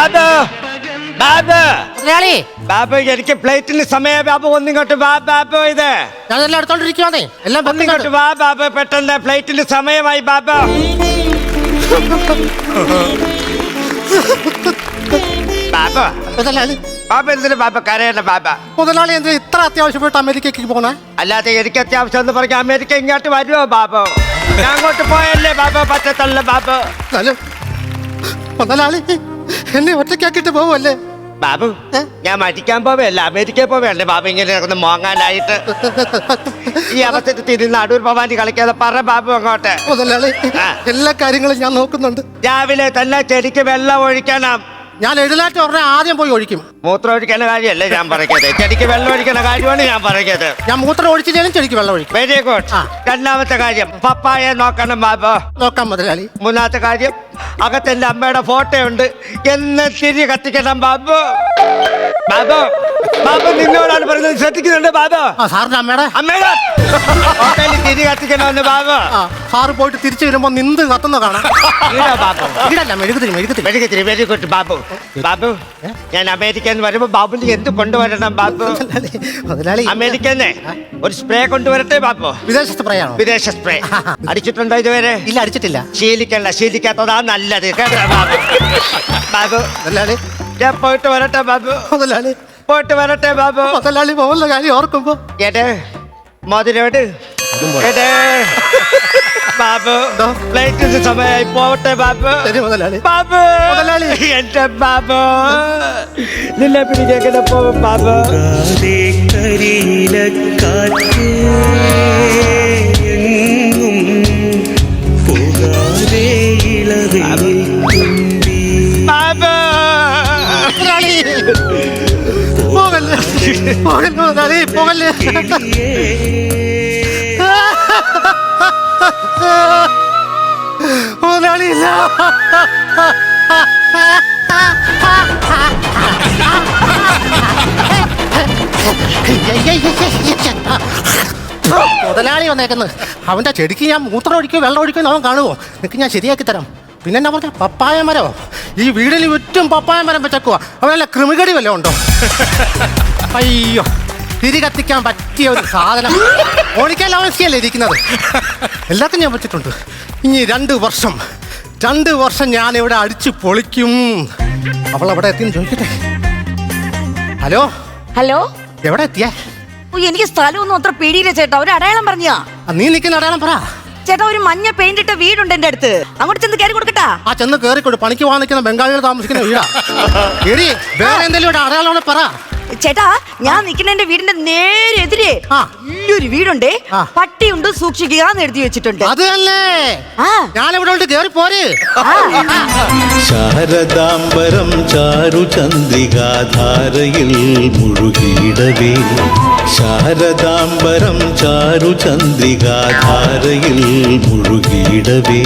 ബാബു ബാബു എനിക്ക് ഫ്ലൈറ്റിന് സമയം. ബാബു ഒന്നിങ്ങോട്ട് വാ ബാബു. ഇത് ഞാനെല്ലാം എടുത്തോണ്ടിരിക്കുവാന്നേ. എല്ലാം ഒന്നിങ്ങോട്ട് വാ ബാബു, പെട്ടെന്ന് ഫ്ലൈറ്റിന് സമയമായി ബാബു. ബാബു മുതലാളി, ബാബു എന്തിനു ബാബു കരയണ്ട ബാബു? മുതലാളി എന്തിനാ ഇത്ര അത്യാവശ്യമായിട്ട് അമേരിക്കക്ക് പോണേ? അല്ലാതെ എനിക്ക് അത്യാവശ്യം എന്ന് പറഞ്ഞ അമേരിക്ക ഇങ്ങോട്ട് വരുമോ ബാബു? ഞാൻ അങ്ങോട്ട് പോയല്ലേ ബാബു, പറ്റത്തല്ല ബാബു. മുതലാളി എന്നെ ഒറ്റയ്ക്കാക്കിട്ട് പോവല്ലേ? ബാബു ഞാൻ മരിക്കാൻ പോവല്ല, അമേരിക്കയിൽ പോവല്ലേ ബാബു? ഇങ്ങനെ ഒന്ന് മോങ്ങാനായിട്ട് ഈ അവസ്ഥയിൽ തിരിഞ്ഞ് അടൂർ ഭവാനി കളിക്കാതെ പറ ബാബു അങ്ങോട്ട്. മുതലാളി എല്ലാ കാര്യങ്ങളും ഞാൻ നോക്കുന്നുണ്ട്. രാവിലെ തന്നെ ചെടിക്ക് വെള്ളം ഒഴിക്കണം. ഞാൻ എഴുന്നേറ്റ് ഉടനെ ആദ്യം പോയി ഒഴിക്കും. മൂത്രം ഒഴിക്കുന്ന കാര്യമല്ലേ ഞാൻ പറയുന്നത്, ചെടിക്ക് വെള്ളം ഒഴിക്കുന്ന കാര്യമാണ് ഞാൻ പറയുന്നത്. ഞാൻ മൂത്രം ഒഴിച്ചില്ലേലും ചെടിക്ക് വെള്ളം ഒഴിക്കും. Very good. രണ്ടാമത്തെ കാര്യം പപ്പായ നോക്കണം ബാബു. നോക്കാം മുതലാളി. മൂന്നാമത്തെ കാര്യം അകത്തെന്റെ അമ്മയുടെ ഫോട്ടോ ഉണ്ട്, എന്ന് തിരി കത്തിക്കണം ബാബു. ബാബു ബാബു നിന്നോടാണ് പറയുന്നത്, ശ്രദ്ധിക്കുന്നുണ്ട് ബാബു. സാറിന്റെ അമ്മയുടെ ഫോട്ടോയിൽ തിരി കത്തിക്കണമെന്ന് ബാബു. സാറ് പോയിട്ട് തിരിച്ചു വരുമ്പോ നിന്ന് കത്തുന്ന കാണാം. ബാബു ഇടല്ല മെഴുകുതിരി മെഴുകുതിരി. Very good Babu. ബാബു ഞാൻ അമേരിക്കന്ന് വരുമ്പോ ബാബുന് എന്ത് കൊണ്ടുവരണം ബാബു? മുതലാളി അമേരിക്കന്ന് ഒരു സ്പ്രേ കൊണ്ടുവരട്ടെ ബാബു. വിദേശ സ്പ്രേ ആണോ? വിദേശ സ്പ്രേ അടിച്ചിട്ടുണ്ടോ ഇതുവരെ? ഇല്ല, അടിച്ചിട്ടില്ല. ശീലിക്കാത്തതാ നല്ലത് ബാബു. ബാബു മുതലാളി ഞാൻ പോയിട്ട് വരട്ടെ ബാബു. മുതലാളി പോയിട്ട് വരട്ടെ ബാബു. മുതലാളി പോകുന്ന കാര്യം ഓർക്കുമ്പോ ഏട്ടേ മോതിരോട് ഏട്ടേ ബാബു ഫ്ലൈറ്റിന് സമയമായി പോവട്ടെ ബാബു. മുതലാളി ബാബു മുതലാളി എന്റെ ബാബു നിന്നെ പിടിക്കേണ്ട പോവും ബാബു. മുതലാളി പോകല്ലേ. മുതലാളി ഇല്ല. മുതലാളി വന്നേക്കുന്നത് അവന്റെ ചെടിക്ക് ഞാൻ മൂത്രം ഒഴിക്കോ വെള്ളം ഒഴിക്കോ അവൻ കാണുമോ? നിനക്ക് ഞാൻ ശരിയാക്കി തരാം. പിന്നെ എന്നാ പറഞ്ഞ പപ്പായ മരമോ? ഈ വീടിന് ചുറ്റും പപ്പായ മരം വെച്ചേക്കുക. അവനല്ല കൃമികടി വല്ലതും ഉണ്ടോ? അയ്യോ, തിരി കത്തിക്കാൻ പറ്റിയ ഒരു സാധനം. ഓണിക്കാൻ അവസ്ഥയല്ലേ ഇരിക്കുന്നത്. എല്ലാവർക്കും ഞാൻ പറ്റിയിട്ടുണ്ട്. ഇനി 2 വർഷം ഞാൻ ഇവിടെ അടിച്ചു പൊളിക്കും. അവൾ എവിടെ എത്തിയെന്ന് ചോദിക്കട്ടെ. ഹലോ ഹലോ, എവിടെ എത്തിയേ? എനിക്ക് സ്ഥലമൊന്നും അത്ര പേടിയില്ല ചേട്ടാ. ഒരു അടയാളം പറഞ്ഞാ. നീ നിൽക്കുന്ന അടയാളം പറ ചേട്ടാ. ഒരു മഞ്ഞ പെയിന്റ് ഇട്ട വീടുണ്ട് എന്റെ അടുത്ത്, അങ്ങോട്ട് ചെന്ന് കയറി കൊടുക്കട്ടാ? ആ ചെന്ന് കയറിക്കൊടു. പണിക്ക് പോകാൻ നിൽക്കുന്ന ബംഗാളികൾ താമസിക്കുന്ന വീടാ. എടി വേറെ എന്തെങ്കിലും ഇവിടെ അടയാളം പറ ചേട്ടാ. ഞാൻ നിൽക്കുന്ന വീടിന്റെ നേരെ എതിരെ വലിയൊരു വീടുണ്ട്, പട്ടിയുണ്ട്, സൂക്ഷിക്കുക എന്ന് എഴുതി വെച്ചിട്ടുണ്ട്. അത് തന്നെ ഞാനിവിടെ ഉണ്ട്, കയറി പോര്. ശാരദാംബരം ചാരു ചന്ദ്രികാധാരയിൽ മുഴുകിയിടവേ. ശാരദാംബരം ചാരു ചന്ദ്രികാധാരയിൽ മുഴുകിയിടവേ.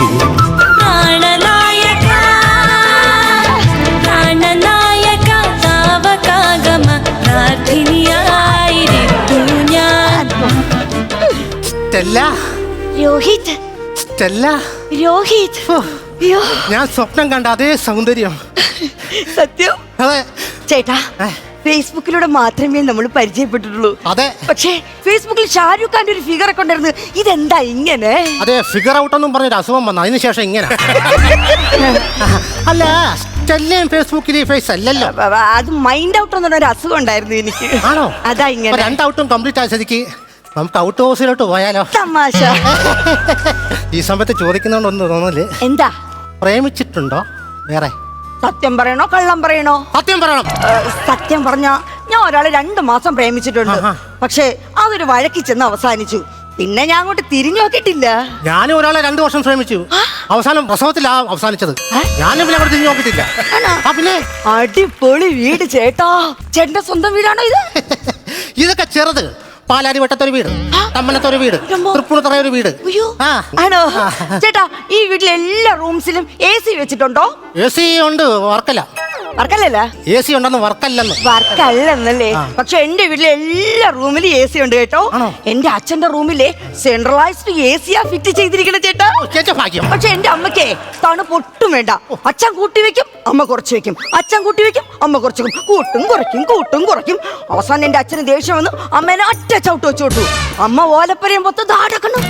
ഞാൻ സ്വപ്നം കണ്ട അതേ സൗന്ദര്യം. സത്യം. അതെ ചേട്ടാ, ഫേസ്ബുക്കിലൂടെ മാത്രമേ നമ്മൾ പരിചയപ്പെട്ടിട്ടുള്ളൂ. അതെ, പക്ഷേ ഫേസ്ബുക്കിൽ ഷാരൂഖ് ഖാന്റെ ഒരു ഫിഗർ ഒക്കെ ഉണ്ടായിരുന്നു. ഇതെന്താ ഇങ്ങനെ? അതെ, ഫിഗർ ഔട്ട് ഒന്നും പറഞ്ഞൊരു അസുഖം വന്നു, അതിനുശേഷം ഇങ്ങനെ. അല്ല, സ്റ്റെല്ലയും ഫേസ്ബുക്കിൽ ഫേസ് അല്ലല്ലോ. അത് മൈൻഡ് ഔട്ട് എന്ന് പറഞ്ഞൊരു അസുഖം ഉണ്ടായിരുന്നു എനിക്ക്. ആണോ? അതാ ഇങ്ങനെ. 2 ഔട്ടും കംപ്ലീറ്റ് ആയ സ്ഥിതിക്ക് നമുക്ക് ഔട്ട് ഹൗസിലോട്ട് പോയാലോ? തമാശ. ഈ സമയത്ത് ചോദിക്കുന്നോണ്ടൊന്നും തോന്നല്. എന്താ? പ്രേമിച്ചിട്ടുണ്ടോ വേറെ? സത്യം പറയണോ കള്ളം പറയണോ? സത്യം പറയണം. സത്യം പറഞ്ഞ ഞാൻ ഒരാളെ 2 മാസം പ്രേമിച്ചിട്ടുണ്ട്. പക്ഷേ അതൊരു വഴക്കി ചെന്ന് അവസാനിച്ചു. പിന്നെ ഞാൻ അങ്ങോട്ട് തിരിഞ്ഞു നോക്കിയിട്ടില്ല. ഞാനും ഒരാളെ 2 വർഷം ശ്രമിച്ചു. അവസാനം പ്രസവത്തിലാ അവസാനിച്ചത്. ഞാനും പിന്നെ അവിടെ തിരിഞ്ഞു നോക്കിയിട്ടില്ല. പിന്നെ അടിപൊളി വീട് ചേട്ടാ. ചേട്ടന്റെ സ്വന്തം വീടാണോ ഇത്? ഇതൊക്കെ ചെറുത്. പാലാരി വട്ടത്തൊരു വീട്, തമ്മനത്തൊരു വീട്, തൃപ്പൂണിത്തറ ഒരു വീട്. ആണോ ചേട്ടാ? ഈ വീട്ടിലെ എല്ലാ റൂംസിലും AC വെച്ചിട്ടുണ്ടോ? AC ഉണ്ട്, വർക്കല. വർക്കല്ലല്ല AC ഉണ്ടെന്ന് വർക്കല്ലെന്ന്. വർക്കല്ലെന്നല്ലേ? പക്ഷെ എന്റെ വീട്ടിലെ എല്ലാ റൂമിലും AC ഉണ്ട് കേട്ടോ. ആണോ? എന്റെ അച്ഛന്റെ റൂമിലെ സെൻട്രലൈസ്ഡ് AC ആ ഫിറ്റ് ചെയ്തിരിക്കണ ചേട്ടാ. ചേച്ചാ ഭാഗ്യം. പക്ഷെ എന്റെ അമ്മക്കേ തണുപ്പ് ഒട്ടും വേണ്ട. അച്ഛൻ കൂട്ടി വെക്കും, അമ്മ കുറച്ച് വെക്കും. അച്ഛൻ കൂട്ടി വെക്കും, അമ്മ കുറച്ച് വെക്കും. കൂട്ടും കുറയ്ക്കും, കൂട്ടും കുറയ്ക്കും. അവസാനം എന്റെ അച്ഛന് ദേഷ്യം വന്നു അമ്മേനെ ഒറ്റ ചവിട്ട് വെച്ചു കൊടുത്തു. അമ്മ ഓലപ്പരയും പൊത്ത് ദാടക്കണം.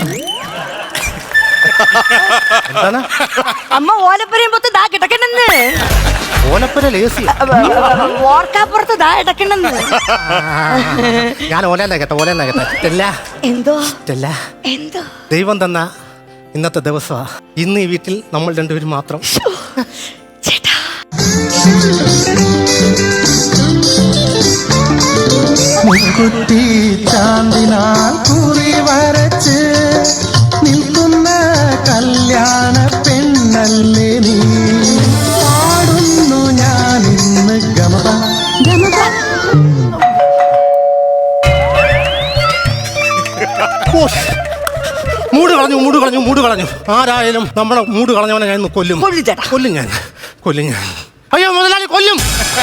എന്താണ്? അമ്മ ഓലപ്പരയും പൊത്ത് ദാ കിടക്കണെന്ന്. ഓലപ്പുരയിൽ AC. ഓർക്കാപ്പുറത്ത് ദാ കിടക്കണെന്ന്. ഞാൻ ഓലെന്നാ കേട്ടെ. സ്റ്റെല്ല, എന്തോ സ്റ്റെല്ല, എന്തോ ദൈവം തന്ന ഇന്നത്തെ ദിവസമാ. ഇന്ന് ഈ വീട്ടിൽ നമ്മൾ രണ്ടുപേരും മാത്രം. ചേട്ടാ മുക്കുറ്റി ചാന്തിനാൽ കുറി വരച്ച് നിൽക്കുന്ന കല്യാണ പെണ്ണല്ലേ നീ. പാടുന്നു ഞാൻ ഇന്ന് ഗമപ. മൂട് കളഞ്ഞു. ആരായാലും നമ്മുടെ മൂട് കളഞ്ഞവനെ ഞാൻ ഇന്ന് കൊല്ലും. കൊല്ലു ചേട്ടാ. കൊല്ലും ഞാൻ. അയ്യോ മുതലാളി കൊല്ലും.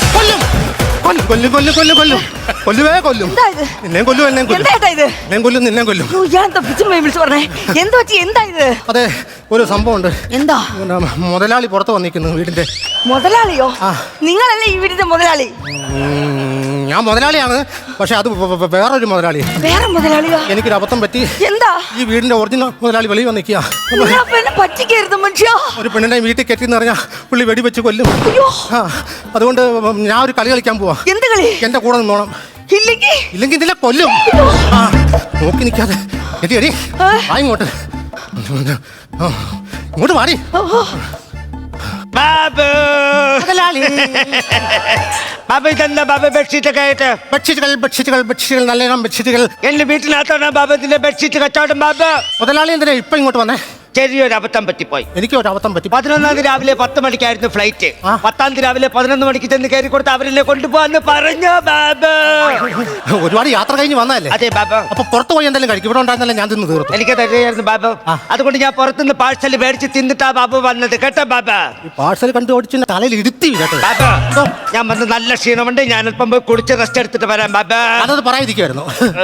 കൊല്ലുവേ കൊല്ലും. എന്താ ഇത്? നിന്നെയും കൊല്ലും, എന്നെയും കൊല്ലും. എന്താ ഇത്? നിന്നെയും കൊല്ലും. അയ്യോ, ഇയാളെന്താ പിച്ചുമ്മയെ വിളിച്ച് പറഞ്ഞേ? എന്ത് പറ്റി? എന്താ ഇത്? അതെ, ഒരു സംഭവമുണ്ട്. എന്താ? മുതലാളി പുറത്ത് വന്നിരിക്കുന്നു വീടിന്റെ. മുതലാളിയോ? ആ. നിങ്ങളല്ലേ ഈ വീടിന്റെ മുതലാളി? ഞാൻ മുതലാളിയാണ്, പക്ഷെ അത് വേറൊരു മുതലാളി. വേറെ മുതലാളിയോ? എനിക്കൊരു അബദ്ധം പറ്റി. എന്താ? ഈ വീടിന്റെ ഒറിജിനൽ മുതലാളി വെളിയിൽ വന്നിക്കുക. എന്നെ പറ്റിക്കരുത് മനുഷ്യ. ഒരു പെണ്ണിനെ വീട്ടിൽ കെട്ടിന്ന് പറഞ്ഞാൽ പുള്ളി വെടിവെച്ച് കൊല്ലും. അയ്യോ, ആ, അതുകൊണ്ട് ഞാൻ ഒരു കളി കളിക്കാൻ പോവാ. എന്ത് കളി? എന്റെ കൂടെ നിന്നോണം. ഇല്ലെങ്കിൽ ഇതിലെ കൊല്ലും. ആ, നോക്കി നിൽക്കാതെ എടി ഇങ്ങോട്ട്. ഇങ്ങോട്ട് മാറി. ബാബു ബാബു ഇതെന്താ ബാബു ബെഡ്ഷീറ്റ് ഒക്കെ ആയിട്ട്? ബെഡ്ഷീറ്റുകൾ നല്ല ബെഡ്ഷീറ്റുകൾ. എന്റെ വീട്ടിനകത്താണ് ബാബു ഇതിന്റെ ബെഡ്ഷീറ്റ് കച്ചവടം. ബാബു മുതലാളി എന്തിനാ ഇപ്പൊ ഇങ്ങോട്ട് വന്നേ? ചെറിയൊരു അബദ്ധം പറ്റിപ്പോയി. എനിക്ക് ഒരു അബദ്ധം പറ്റി. 11-ാം തീയതി രാവിലെ 10 മണിക്കായിരുന്നു ഫ്ലൈറ്റ്. 10-ാം തീയതി രാവിലെ 11 മണിക്ക് ചെന്ന് കയറി കൊടുത്ത് അവരെന്നെ കൊണ്ടുപോവാന്ന് പറഞ്ഞു ബാബു. ഒരുപാട് യാത്ര കഴിഞ്ഞ് വന്നതല്ലേ? അതെ ബാബു. അപ്പൊ പുറത്ത് പോയി എന്തെങ്കിലും കഴിക്കും. ഇവിടെ ഉണ്ടായിരുന്നല്ലേ ഞാൻ തിന്ന് തീർത്തു. എനിക്ക് തരുകയായിരുന്നു ബാബു. അതുകൊണ്ട് ഞാൻ പുറത്തുനിന്ന് പാഴ്സൽ മേടിച്ച് തിന്നിട്ടാ ബാബു വന്നത് കേട്ടോ ബാബു. ഈ പാഴ്സൽ കണ്ടു ഓടിച്ച് തലയിൽ ഇരുത്തി കേട്ടോ ബാബു. ഞാൻ വന്ന് നല്ല ക്ഷീണമുണ്ട്. ഞാൻ അല്പം പോയി കുടിച്ച് റെസ്റ്റ് എടുത്തിട്ട് വരാം ബാബു. അതത് പറയാതിരിക്കുവായിരുന്നു.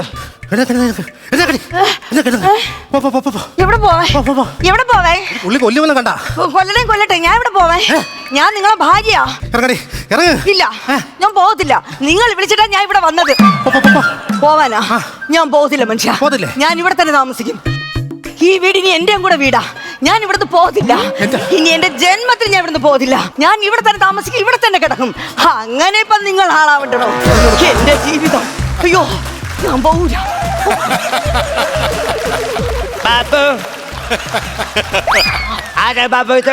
എവിടെ പോവേ? ഉള്ളി കൊല്ലുമെന്ന് കണ്ട. കൊല്ലട്ടെ. ഞാൻ ഇവിടെ പോവേ? ഞാൻ നിങ്ങളെ ഭാര്യയാ. ഇല്ല, ഞാൻ പോകത്തില്ല. നിങ്ങൾ വിളിച്ചിട്ടാ ഞാൻ ഇവിടെ വന്നത്. പോവാനാ? ഞാൻ പോകത്തില്ല മനുഷ്യ. ഞാൻ ഇവിടെ തന്നെ താമസിക്കും. ഈ വീട് ഇനി എന്റെയും കൂടെ വീടാ. ഞാൻ ഇവിടുന്ന് പോകത്തില്ല. ഇനി എന്റെ ജന്മത്തിൽ ഞാൻ ഇവിടുന്ന് പോകത്തില്ല. ഞാൻ ഇവിടെ തന്നെ താമസിക്കും, ഇവിടെ തന്നെ കിടക്കും. അങ്ങനെ ഇപ്പൊ നിങ്ങൾ ആളാവണ്ടോ? എന്റെ ജീവിതം. അയ്യോ, ഞാൻ പോകൂല. ബാബു ആരാ ബാബു ഇത്?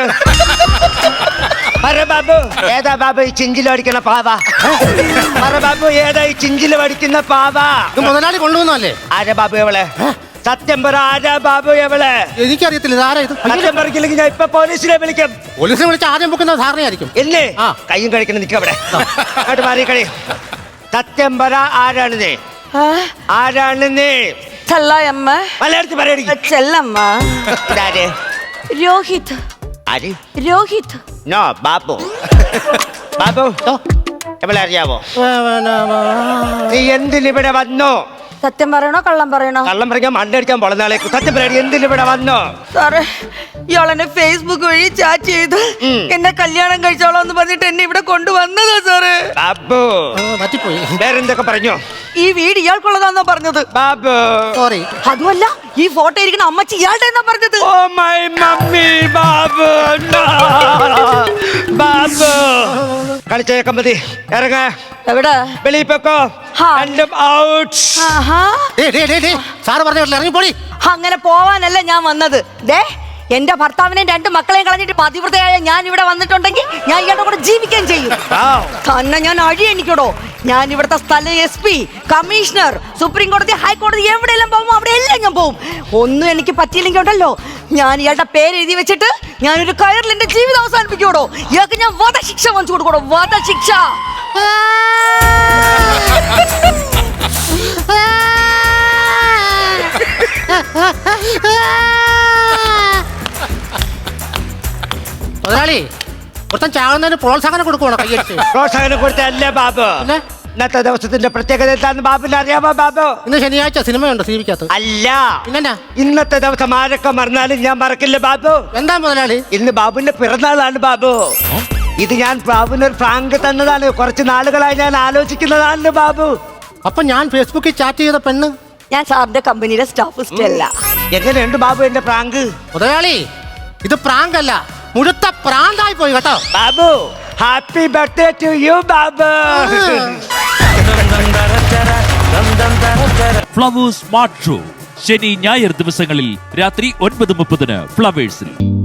പറ ബാബു, ഏതാ ബാബു ഈ ചിഞ്ചിലടിക്കുന്ന പാവ? പറ ബാബു, ഏതാ ഈ ചിഞ്ചിലടിക്കുന്ന പാവ? മുതലാളി കൊണ്ടുവന്നല്ലേ? ആരാ ബാബു എവളെ? സത്യം പറ, ആരാ ബാബു എവളെ? എനിക്കറിയത്തില്ല. ഇതാരാ ഇത്? സത്യം പറഞ്ഞില്ലെങ്കിൽ ഞാൻ ഇപ്പൊ പോലീസിനെ വിളിക്കും. പോലീസിനെ വിളിച്ച് ആദ്യം പൊക്കുന്ന ധാരണയായിരിക്കും. ഇല്ലേ? കയ്യും കഴിക്കണം. നിൽക്കവിടെ അങ്ങോട്ട് മാറി കളി. സത്യം പറ, ആരാണ് നീ? ആരാണ് നീ? ചെല്ലമ്മ. മലയാളത്തിൽ പറയടി. ചെല്ലമ്മ. ഇതാര്? രോഹിത്. ആര്? രോഹിത്. നോ ബാബു. ബാബു എവളെ അറിയാവോ? നീ എന്തിനിവിടെ വന്നു? സത്യം പറയണോ കള്ളം പറയണോ? കള്ളം പറയാൻ മണ്ടടിക്കാൻ പോളനാളേക്ക്. സത്യം പറയാടി, എന്തിനിവിടെ വന്നു? സാറേ, ഇയാളെന്നെ ഫേസ്ബുക്ക് വഴി ചാറ്റ് ചെയ്ത് എന്നെ കല്യാണം കഴിച്ചോളാം എന്ന് പറഞ്ഞിട്ട് എന്നെ ഇവിടെ കൊണ്ടുവന്നതാ സാറേ. ബാബു പറ്റിപ്പോയി. വേറെന്തൊക്കെ പറഞ്ഞു? ഈ വീട് ഇയാൾക്കുള്ളതാന്നാ പറഞ്ഞത്. ബാബു സോറി. അതുമല്ല, ഈ ഫോട്ടോ ഇരിക്കുന്ന അമ്മച്ചി ഇയാളുടെ എന്നാ പറഞ്ഞത്. Oh my mummy. Babu Babu കളിച്ചേക്കാൻ മതി. ഇറങ്ങ. എവിടെ? വെളിയിൽ പൊക്കോ. രണ്ടും ഔട്ട്. സാറ് പറഞ്ഞ ഇറങ്ങിപ്പോടി. അങ്ങനെ പോവാനല്ല ഞാൻ വന്നത്. ദേ, എന്റെ ഭർത്താവിനെയും 2 മക്കളെയും കളഞ്ഞിട്ട് പതിവ്രതയായ ഞാൻ ഇവിടെ വന്നിട്ടുണ്ടെങ്കിൽ ഞാൻ ഇയാളുടെ കൂടെ ജീവിക്കുകയും ചെയ്യും. തന്നെ ഞാൻ അഴിയണിക്കടോ. ഞാൻ ഇവിടുത്തെ സ്ഥല SP, കമ്മീഷണർ, സുപ്രീം കോടതി, ഹൈക്കോടതി എവിടെയെല്ലാം പോകുമോ അവിടെ എല്ലാം ഞാൻ പോകും. ഒന്നും എനിക്ക് പറ്റിയില്ലെങ്കിൽ ഉണ്ടല്ലോ, ഞാൻ ഇയാളുടെ പേര് എഴുതി വെച്ചിട്ട് ഞാനൊരു കയറിൽ എന്റെ ജീവിതം അവസാനിപ്പിക്കൂടോ. ഇയാൾക്ക് ഞാൻ വധശിക്ഷ വാങ്ങിച്ചു കൊടുക്കണോ. വധശിക്ഷ. മുതലാളി, ഒരുത്തൻ ചാകുന്നതിന് പ്രോത്സാഹനം കൊടുക്കുവാണോ കയ്യടിച്ച്? പ്രോത്സാഹനം കൊടുത്തല്ലേ ബാബു. പിന്നെ ഇന്നത്തെ ദിവസത്തിന്റെ പ്രത്യേകത എന്താന്ന് ബാബുവിന് അറിയാമോ ബാബു? ഇന്ന് ശനിയാഴ്ച സിനിമയുണ്ടോ സിനിമയ്ക്കകത്ത്? അല്ല, പിന്നെന്നാ? ഇന്നത്തെ ദിവസം ആരൊക്കെ മറന്നാലും ഞാൻ മറക്കില്ല ബാബു. എന്താ മുതലാളി? ഇന്ന് ബാബുവിന്റെ പിറന്നാളാണ് ബാബു. ഇത് ഞാൻ ബാബുവിന് ഒരു ഫ്രാങ്ക് തന്നതാണ്. കുറച്ച് നാളുകളായി ഞാൻ ആലോചിക്കുന്നതാണ് ബാബു. അപ്പൊ ഞാൻ ഫേസ്ബുക്കിൽ ചാറ്റ് ചെയ്ത പെണ്ണ് ഞാൻ സാറിന്റെ കമ്പനിയുടെ സ്റ്റാഫ് സ്റ്റെല്ല. എങ്ങനെയുണ്ട് ബാബു എന്റെ പ്രാങ്ക്? മുതലാളി ഇത് പ്രാങ്ക് അല്ല, മുഴുത്ത പ്രാന്തായി പോയി കേട്ടോ. Babu, happy birthday to you Babu. Flowers smart show ശനി ഞായർ ദിവസങ്ങളിൽ രാത്രി 9:30 ഫ്ലവേഴ്സിൽ.